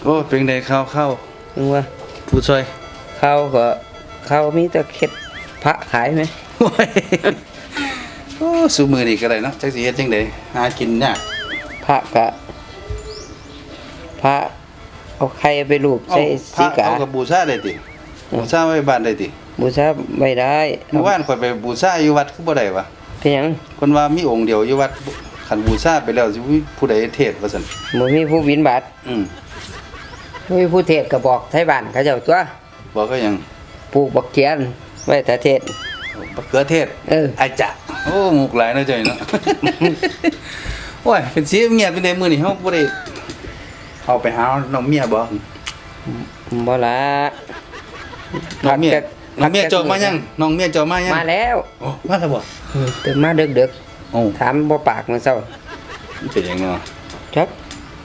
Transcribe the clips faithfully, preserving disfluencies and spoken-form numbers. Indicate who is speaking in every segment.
Speaker 1: อ้เป็นไดข้าวข้าวนึกว่าผู้ช่วยข้าวก็ข้าวมีแต่เข็ดพระขายไหมโอ้ยโอ้สูมือนี่ก็ได้เนาะจักสิเฮ็ดจังได๋หากินยากพระก็พระเอาไข่ไปรูปใส่สีกาเอากับบูชาได้ติบูชาไว้บ้านได้ติบูชาไม่ได้เมื่อวานข่อยไปบูชาอยู่วัดคือบ่ได้วะเป็นหยังคนว่ามีองค์เดียวอยู่วัดคันบูชาไปแล้วสิมีผู้ใดเทศว่าซั่นบ่มีผู้บิณฑบาตอืมบ่มีผู้เทศก็บอกไทบ้านเขาเจ้าตัวบอกก็หยังปลูกบักเขียนไว้แต่เทศบักเขือเทศเอออาจะโอ้มุกหลายเนาะจ้ะเนาะโอ้ยเป็นสิเงียบเป็นได้มื้อนี้เฮาบ่ได้เอาไปหาน้องเมียบ่บ่ล่ะน้องเมียน้องเมียเจ้ามายังน้องเมียเจ้ามายังมาแล้วโอ้มาแล้วบ่ตื่นมาดึกๆโอ้ถามบ่ปากมื้อเช้ามันเป็นหยังเนาะจัก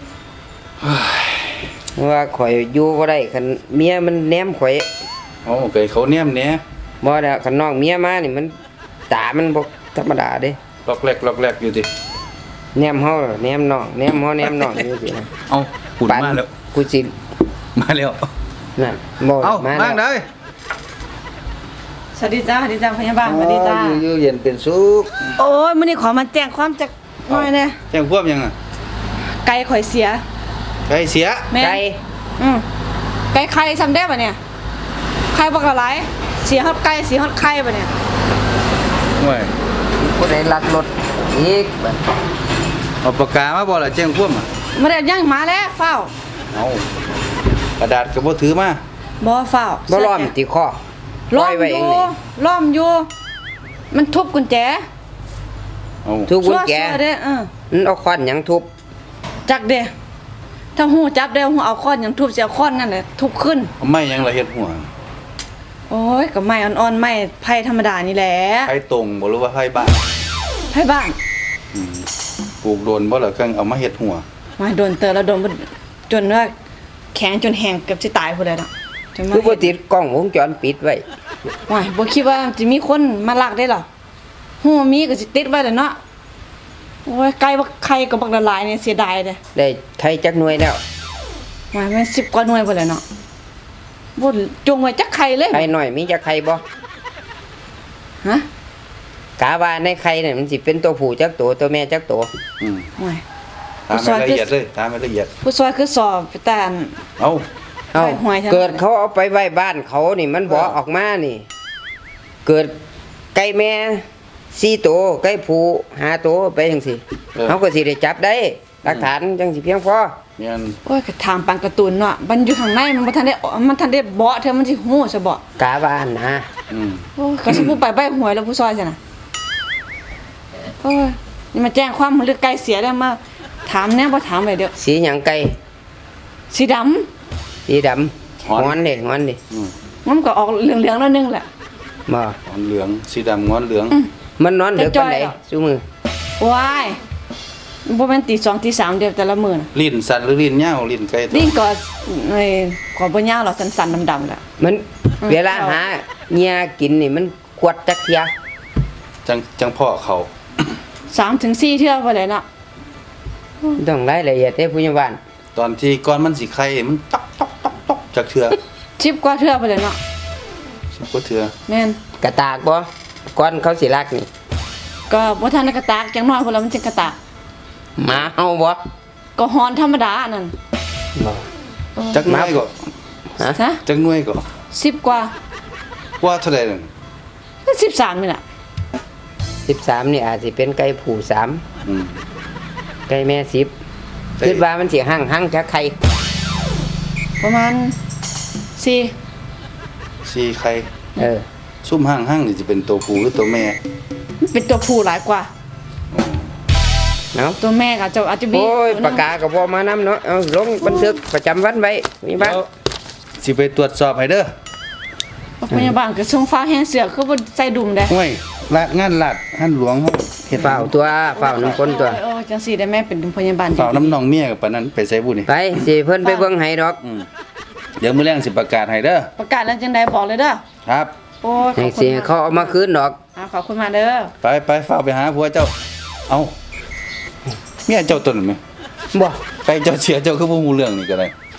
Speaker 1: ว่าข่อยอยู่บ่ได้คันเมียมันแนมข่อยโอ้เคยเขาแนมแหน่บ่แล้วคันน้องเมียมานี่มันตามันบ่ธรรมดาเด้ลอกแลกลอกแลกอยู่ติแนมเฮาแนมน้องแนมเฮาแนมน้องอยู่ติเอ้าพูดมาแล้วกูสิมาแล้วนั่นบ่มาแล้วเด้อ
Speaker 2: สวัสดีจ้าสวัสดีจ้าพยาบาลสวัสดีจ้า
Speaker 1: อยู่เย็นเป็นสุข
Speaker 2: โอ้ยมื้อนี้ขอมาแจ้งความจักหน่อยแน่
Speaker 1: แจ้งความยังอ่ะ
Speaker 2: ไก่ข่อยเสีย
Speaker 1: ไก่เสีย
Speaker 2: ไก่อืมไก่ไข่ซ้ำได้ป่ะเนี่ยไข่บ่กะหลายเสียฮอดไก่เสียฮอดไข่ป่ะเนี่ย
Speaker 1: โอ้ยผู้ใดลักรถอีกบัดเอาปากกามาบ่ล่ะแจ้งความอ่ะ
Speaker 2: มาได้ยังมาแล้วเฝ้า
Speaker 1: เอากระดาษก็บ่ถือมา
Speaker 2: บ่เฝ้า
Speaker 1: บ่ล้อมติคอ
Speaker 2: ล้อมอยู่ล้อมอยู่มันทุบกุญแจ
Speaker 1: เอาทุบกุญแจ
Speaker 2: เด้อเออ
Speaker 1: มันเอาค้อนหยังทุบ
Speaker 2: จักเด้ถ้าฮู้จับได้ฮู้เอาค้อนหยังทุบสิเอาค้อนนั่นแหละทุบขึ้น
Speaker 1: ไม้หยังละเฮ็ดหัว
Speaker 2: โอ้ยก็ไม้อ่อนๆไม้ไผ่ธรรมดานี่แหละ
Speaker 1: ไผ่ตรงบ่รู้ว่าไผ่บ้าน
Speaker 2: ไผ่บ้าน
Speaker 1: อืมปลูกโดนบ่ล่ะเครื่องเอามาเฮ็ดหัว
Speaker 2: มาโดนเตอแล้วโดนจนว่าแข็งจนแห้งเกือบสิตายพุ่นเลยน่ะ
Speaker 1: คือบ่ติดกล้องวงจรปิดไว้
Speaker 2: ว้ายบ่คิดว่าจะมีคนมาลักได้หรอฮู้มีก็สิติดไว้แหละเนาะโอ้ยไก่บักไข่ก็บักละลายเนี่ยเสียดายเด้
Speaker 1: ได้ไข่จักหน่วยแล้ว
Speaker 2: ว้ายมันสิบกว่าหน่วยพุ่นเลยเนาะบ่จงไว้จักไข่เลย
Speaker 1: ไข่น้อยมีจักไข่บ่
Speaker 2: ฮะ
Speaker 1: กะว่าในไข่เนี่ยมันสิเป็นตัวผู้จักตัวตัวแม่จักตัวอืม
Speaker 2: ว้าย
Speaker 1: ถามละเอียดเลยถามละเอียด
Speaker 2: ผู้ซอยคือสอบแต่
Speaker 1: เอ้าเอ้าเกิดเขาเอาไปไว้บ้านเขานี่มันบ่ออกมานี่เกิดไก่แม่สี่ตัวไก่ผู้ห้าตัวไปจังซี่เฮาก็สิได้จับได้หลักฐานจังสิเพียงพอแม่น
Speaker 2: โอ้ยก็ถามปังการ์ตูนเนาะมันอยู่ข้างในมันบ่ทันได้มันทันได้เบาะเธอมันสิฮู้ซะบ่
Speaker 1: กะว่านะ
Speaker 2: อืมโอ้ยก็สิผู้ไปใบหวยแล้วผู้ซอยซั่นน่ะโอ้ยนี่มาแจ้งความมันเลือไก่เสียแล้วมาถามแน่บ่ถามไว้เดี๋ยว
Speaker 1: สีหยังไก่
Speaker 2: สีดำ
Speaker 1: สีดำงอนดิงอนดิ
Speaker 2: อืมมันก็ออกเหลืองๆแล้วนึงแหละ
Speaker 1: บ่งอนเหลืองสีดำงอนเหลืองมันนอนดึกปานใดซุมื้อ
Speaker 2: ว้ายบ่แม่นตีสองตีสามเดี๋ยวแต่ละมื้อน่ะ
Speaker 1: ลิ้นสั่นหรือลิ้นยาวลิ้นไก่
Speaker 2: ลิ้นก็ไอ้ก็บ่ยาวหรอกสั่นๆดำๆแหละ
Speaker 1: มันเวลาหาเหยื่อกินนี่มันขวดจักเที่ยจังจังพ่อเขา
Speaker 2: สามถึงสี่เทื่อบ่ได้เนาะ
Speaker 1: ต้องรายละเอียดเด้ผู้ใหญ่บ้านตอนที่ก่อนมันสิไข่มันตอกตอกตอกตอกจักเทื่อ
Speaker 2: สิบกว่าเทื่อบ่ได้เนาะ
Speaker 1: สิบกว่าเทื่อ
Speaker 2: แม่น
Speaker 1: กระตากบ่ก่อนเขาสิรักนี่
Speaker 2: ก็บ่ทันได้กระตากจังน้อยพุ่นแล้วมันสิกระตาก
Speaker 1: หมาเฮาบ่
Speaker 2: ก็ฮ้อนธรรมดานั่น
Speaker 1: บ่จักหน่วยก็ฮะจักหน่วยก็
Speaker 2: สิบกว่า
Speaker 1: กว่าเท่าใดนั่น
Speaker 2: สิบสามนี่ล่ะ
Speaker 1: สิบสามนี่อาจสิเป็นไก่ผู้สามอืมไก่แม่สิบคิดว่ามันสิหั่งๆจักไข่
Speaker 2: ประมาณสี่
Speaker 1: สี่ไข่เออซุ่มหั่งๆนี่สิเป็นตัวผู้หรือตัวแม่
Speaker 2: เป็นตัวผู้หลายกว่า
Speaker 1: เนาะ
Speaker 2: ตัวแม่ก็จะอาจจะมี
Speaker 1: โอ้ยปากกาก็บ่มานำเนาะเอาลงบันทึกประจำวันไว้มีบ้างสิไปตรวจสอบให้เด้อ
Speaker 2: พยาบาลก็ส่งฟ้าแห้งเสือคือบ่ใส่ดุมได้
Speaker 1: โอ้ยลาดงานลาดหั่นหลวงเฮาเฮ็ดเฝ้าตัวเฝ้าน้ำคนตัว
Speaker 2: โอ้จังซี่ได้แม่เป็นพยาบาล
Speaker 1: เฝ้าน้ำน้องเมียกับปานนั้นไปใส่บุนี่ไปสิเพิ่นไปเบิ่งให้ดอกเดี๋ยวมื้อแลงสิประกาศให้เด้อ
Speaker 2: ประกาศแล้วจังได๋บอกเลยเด้อ
Speaker 1: ครับ
Speaker 2: โอ้
Speaker 1: ขอบคุณเขาเอามาคืนดอก
Speaker 2: อ่าขอบคุณมาเด้อ
Speaker 1: ไปไปเฝ้าไปหาผัวเจ้าเอ้าเมียเจ้าตนมั้ยบ่ไปเจ้าเสียเจ้าคือบ่ฮู้เรื่องนี่ก็ได้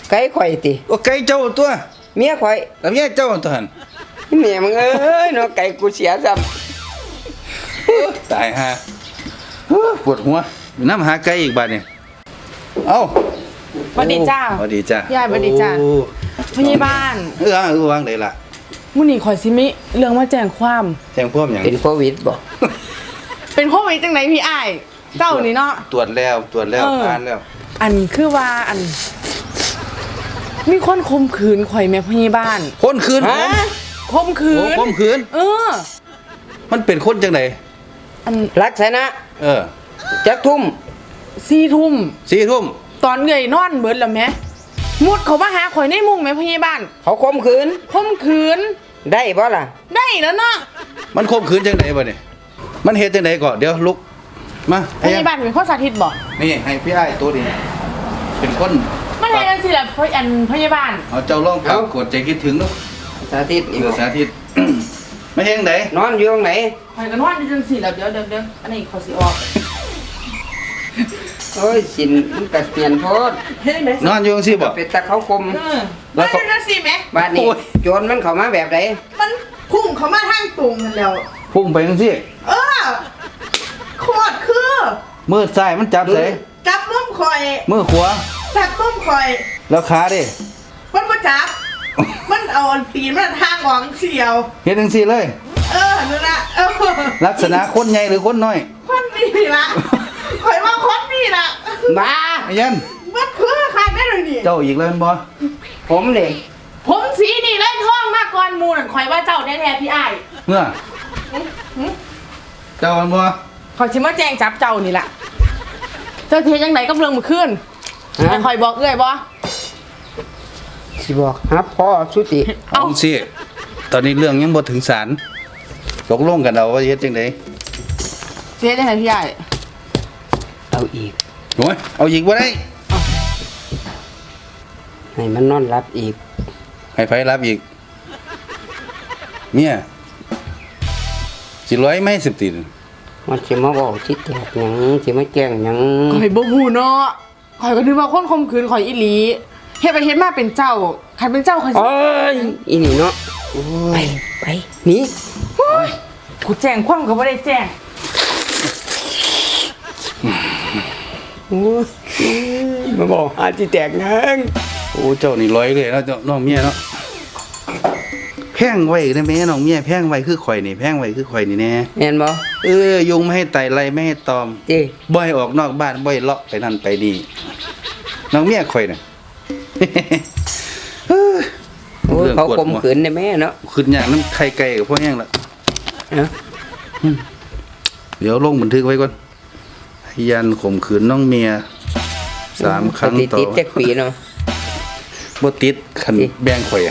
Speaker 3: ไก่ข่อยติ
Speaker 1: โอ้ไก่เจ้าตัว
Speaker 3: เมียข่อย
Speaker 1: แล้วเมียเจ้าตัวหั่น
Speaker 3: เมียมึงเอ้ยเนาะไก่กูเสียซ้ำ
Speaker 1: ตายฮะปวดหัวอยู่น้ำหาไก่อีกบาดนี่เอ้า
Speaker 2: สวัสดีจ้า
Speaker 1: สวัสดีจ้า
Speaker 2: พี่อ้ายสวัสดีจ้า
Speaker 1: โอ้
Speaker 2: พยาบาล
Speaker 1: เออเออวางได้ล่ะ
Speaker 2: มื้อนี้ข่อยสิมีเรื่องมาแจ้งความ
Speaker 1: แจ้งพวกหยัง
Speaker 3: เป็นโควิดบ่
Speaker 2: เป็นโควิดจังไดพี่อ้ายเจ้านี่เนาะ
Speaker 1: ตรวจแล้วตรวจแล้ว
Speaker 2: เออ
Speaker 1: ผ่านแล้ว
Speaker 2: อันคือว่าอัน มีคนข่มขืนข่อยแม่พยาบาล
Speaker 1: คนคืนผม
Speaker 3: ฮะ
Speaker 2: ข่มขื
Speaker 1: โอ้
Speaker 2: น
Speaker 1: ผมคืน
Speaker 2: เออ
Speaker 1: มันเป็นคนจังได
Speaker 2: อัน
Speaker 3: ลักษณะ
Speaker 1: เออ
Speaker 3: จักทุ่ม
Speaker 2: สี่ทุ่ม
Speaker 1: สี่ทุ่ม
Speaker 2: ตอนเงยนอนเบิดแล้วแม่มุดเขามาหาข่อยในมุ้งแม่พยาบาล
Speaker 3: เขาข่มขืน
Speaker 2: ข่มขืน
Speaker 3: ได้บ่ล่ะ
Speaker 2: ได้แล้วเนาะ
Speaker 1: มันข่มขืนจังไดบ่เนี่ยมันเฮ็ดจังไดก่อนเดี๋ยวลุกมา
Speaker 2: พยาบาลเป็นคนสาธิตบอก
Speaker 1: นี่ให้พี่อ้ายตัวนี้เป็นคน
Speaker 2: มันอะไรกันสิล่ะพยอันพยาบาล
Speaker 1: เอาเจ้าลองปรากฏใจคิดถึงลูก
Speaker 3: สาธิตอีก
Speaker 1: เออ
Speaker 3: บ่
Speaker 1: สาธิต ไม่เฮ็ดจังได
Speaker 3: นอนอยู่ตรงไหน
Speaker 2: ข่อยกันว่าดิจังสิแล้วเดี๋ยวเดี๋ยวเดี๋ยวอันนี้เขาสิออก
Speaker 3: โอ้ยสินมันก็เปลี่ยนโพด
Speaker 2: เฮ้ยไหม
Speaker 1: นอนอยู่จังซี่บ่
Speaker 3: เป็นตาเขาคม
Speaker 2: เออมันเป็นจังสิแม่
Speaker 3: บ้านนี้
Speaker 1: โอ้ย
Speaker 3: โจรมันเข้ามาแบบใด
Speaker 2: มันพุ่งเขามาทางตรงกันแล้ว
Speaker 1: พุ่งไปจังซี่
Speaker 2: เออโคตรคือ
Speaker 1: มือซ้ายมันจับใส่
Speaker 2: จับมุมข่อย
Speaker 1: มือขวา
Speaker 2: จับมุมข่อย
Speaker 1: แล้วขาดิ
Speaker 2: มันมาจับ มันเอาอันตีนมันทางออกเสียว
Speaker 1: เฮ็ดจังซี่เลย
Speaker 2: เออนั่นละเออ
Speaker 1: ลักษณะคนใหญ่หรือคนน้อย
Speaker 2: คนนี่ละข่อยว่าคนนี่ละ
Speaker 3: บ้า
Speaker 1: ไอ้ยัน
Speaker 2: มันคือใครได้เลยนี่
Speaker 1: เจ้าอีกแล้วแม่นบ่
Speaker 3: ผมเด้
Speaker 2: ผมสีนี่เลยท่องมากก่อนหมูนั่นข่อยว่าเจ้าแท้ๆพี่อ้าย
Speaker 1: เมื่อเจ้ามันบ่
Speaker 2: ข่อยชิมาแจ้งจับเจ้านี่แหละเจ้าเทียยังไหนกับเรื่องมือขึ้น
Speaker 3: ฮะ
Speaker 2: ให้ข่อยบอกเอ้ยบ่
Speaker 3: สิบอกหาพ่อสุติ
Speaker 2: เอา
Speaker 1: เอาสิตอนนี้เรื่องยังบ่ถึงศาลตกลงกันเอาว่าเฮ็ดจังได๋
Speaker 2: เทียยังไงพี่อ้าย
Speaker 3: เอาอีก
Speaker 1: โอ้ยเอาอีกบ่ได้
Speaker 3: ให้มันนอนรับอีก
Speaker 1: ให้ไผรับอีกเนี่ยสิร้อยไหม่สิบตีน
Speaker 3: มันสิมาบอกที่แตกหยังสิมาแกล้งหยัง
Speaker 2: ข่อยบ่ฮู้เนาะข่อยก็นึกว่าคนข่มขืนข่อยอีหลีเฮ็ดไปเฮ็ดมาเป็นเจ้าคันเป็นเจ้าข่อยสิ
Speaker 3: โอ้ยอีนี่เนาะไปไปหนี่
Speaker 2: กูแจ้งความก็บ่ได้แจ้ง
Speaker 3: โอ้ยมาบอกหาที่แตกหยัง
Speaker 1: โอ้เจ้านี่ร้อยเลยเนาะเจ้าน้องเมียเนาะแพงไว้ได้แม่น้องเมียแพงไว้คือข่อยนี่แพงไว้คือข่อยนี่แน่
Speaker 3: แม่นบ่
Speaker 1: เออยุงไม่ให้ไต่ไรไม่ให้ตอม
Speaker 3: เจ้
Speaker 1: บ่ให้ออกนอกบ้านบ่ให้เลาะไปนั่นไปนี่น้องเมียข่อยน่ะ
Speaker 3: โอ้ย
Speaker 1: เรื่อง
Speaker 3: เขา
Speaker 1: กด
Speaker 3: ข่ม
Speaker 1: หัว
Speaker 3: ขืนได้แม่เนาะ
Speaker 1: ขึ้นอย่างน้ำไข่ไก่กับพวกแห้งละ
Speaker 3: เนาะ
Speaker 1: เดี๋ยวลงบันทึกไว้ก่อนพยานข่มขืนน้องเมียสามครั้ง
Speaker 3: ติด
Speaker 1: ต่อ
Speaker 3: ติดจักปีเนาะ
Speaker 1: บ่ติดคัน
Speaker 3: ติด
Speaker 1: แบ่งข่อยอะ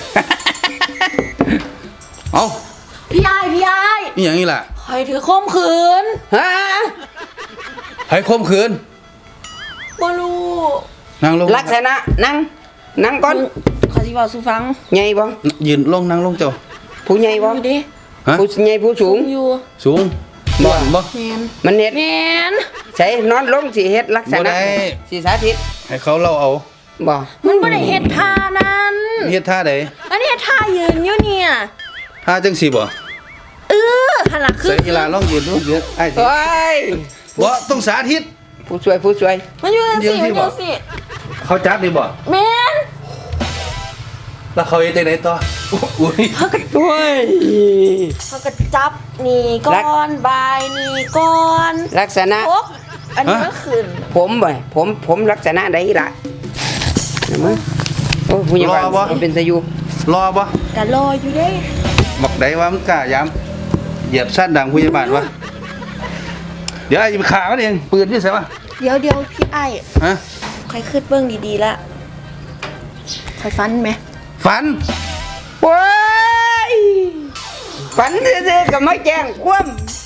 Speaker 1: เอ้า
Speaker 4: พี่ไอ้ายพี่ไอ้าย
Speaker 1: นี่อย่างนี้ล่ะ
Speaker 4: คอยถือข่มขืน
Speaker 3: ฮะ
Speaker 1: ให้ข่มขืน
Speaker 4: บ่รู้
Speaker 1: นั่งลง
Speaker 3: ลักษณะนั่งนั่งก่อน
Speaker 4: ขอสิบอกสู่ฟัง
Speaker 3: ใหญ่บ่
Speaker 1: ยืนลงนั่งลงเจ้า
Speaker 3: ผู้ใหญ่บ่
Speaker 4: อยู่ดิ
Speaker 1: ฮะ
Speaker 3: ผู้ใหญ่ผู้สูง
Speaker 4: อยู่
Speaker 1: สูงบ่บ่
Speaker 4: แมน
Speaker 3: มันเฮ็ด
Speaker 4: แมน
Speaker 3: ใส่นอนลงสิเฮ็ดลักษ
Speaker 1: บ่
Speaker 3: ณะ
Speaker 1: ได้
Speaker 3: สิสาธิต
Speaker 1: ให้เขาเล่าเอา
Speaker 3: บ่
Speaker 4: มันบ่ได้เฮ็ดท่านั้น
Speaker 1: เฮ็ดท่าใด
Speaker 4: อันนี้ท่ายืนอยู่เนี่ย
Speaker 1: ท่าจังสิบ่
Speaker 4: เออหันหลังขึ้
Speaker 1: ใส่
Speaker 4: น
Speaker 1: กีฬาลองยืนดูเดี๋ยวไอ้สิ
Speaker 3: โอ้ย
Speaker 1: บ่ต้องสาธิต
Speaker 3: ผู้ช่วยผู้ช่วย
Speaker 4: มันอยู่จัง
Speaker 1: ยื
Speaker 4: สิ
Speaker 1: นที่
Speaker 4: มันอ
Speaker 1: บ่
Speaker 4: ยู่สิ
Speaker 1: เขาจับดีบ่
Speaker 4: แมน
Speaker 1: แล้วเขาเฮ็ดจังไดต่ออุ้ย
Speaker 3: โอ้ย
Speaker 4: เขาก็จับนี่ก่อนบายนี่ก่อน
Speaker 3: ลักษณะ
Speaker 4: พกอันนี้ก็ขึ้น
Speaker 3: ผมบ่ผมผมลักษณะใดล่ะเห็นไหมโอ้ยผู้ใหญ่บ้านมันเป็นตะยู
Speaker 1: รอบ่
Speaker 4: ก็รออยู่เด้
Speaker 1: บอกได้ว่ามันกล้ายามเหยียบสั้นดังผู้ใหญ่บ้านวะเดี๋ยวไอ้จะไปขามันเองปืนที่ใส่ปะ
Speaker 4: เดี๋ยวเดี๋ยวพี่ไอ้าย
Speaker 1: ฮะ
Speaker 4: คอยขึ้นเบิ่งดีๆละคอยฟันไหม
Speaker 1: ฝัน
Speaker 3: โอ้ยฝันซื่อๆก็ไม่แจ้งความ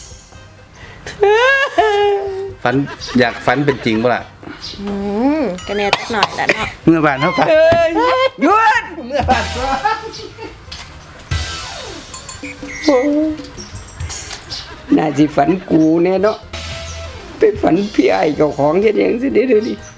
Speaker 1: ฝันอยากฝันเป็นจริงป่ะล่ะ
Speaker 4: อืมก็แน่จักหน่อยแหละเนาะ
Speaker 1: เมื่อบ้านเท่ากัน
Speaker 3: เอ้ยหยุด
Speaker 1: เมื่อบ้านก็
Speaker 3: โอ้ยน่าสิฝันกูแน่เนาะไปฝันพี่ไอ้เจ้าของเฮ็ดหยังสิเด้อเดี๋ยวนี้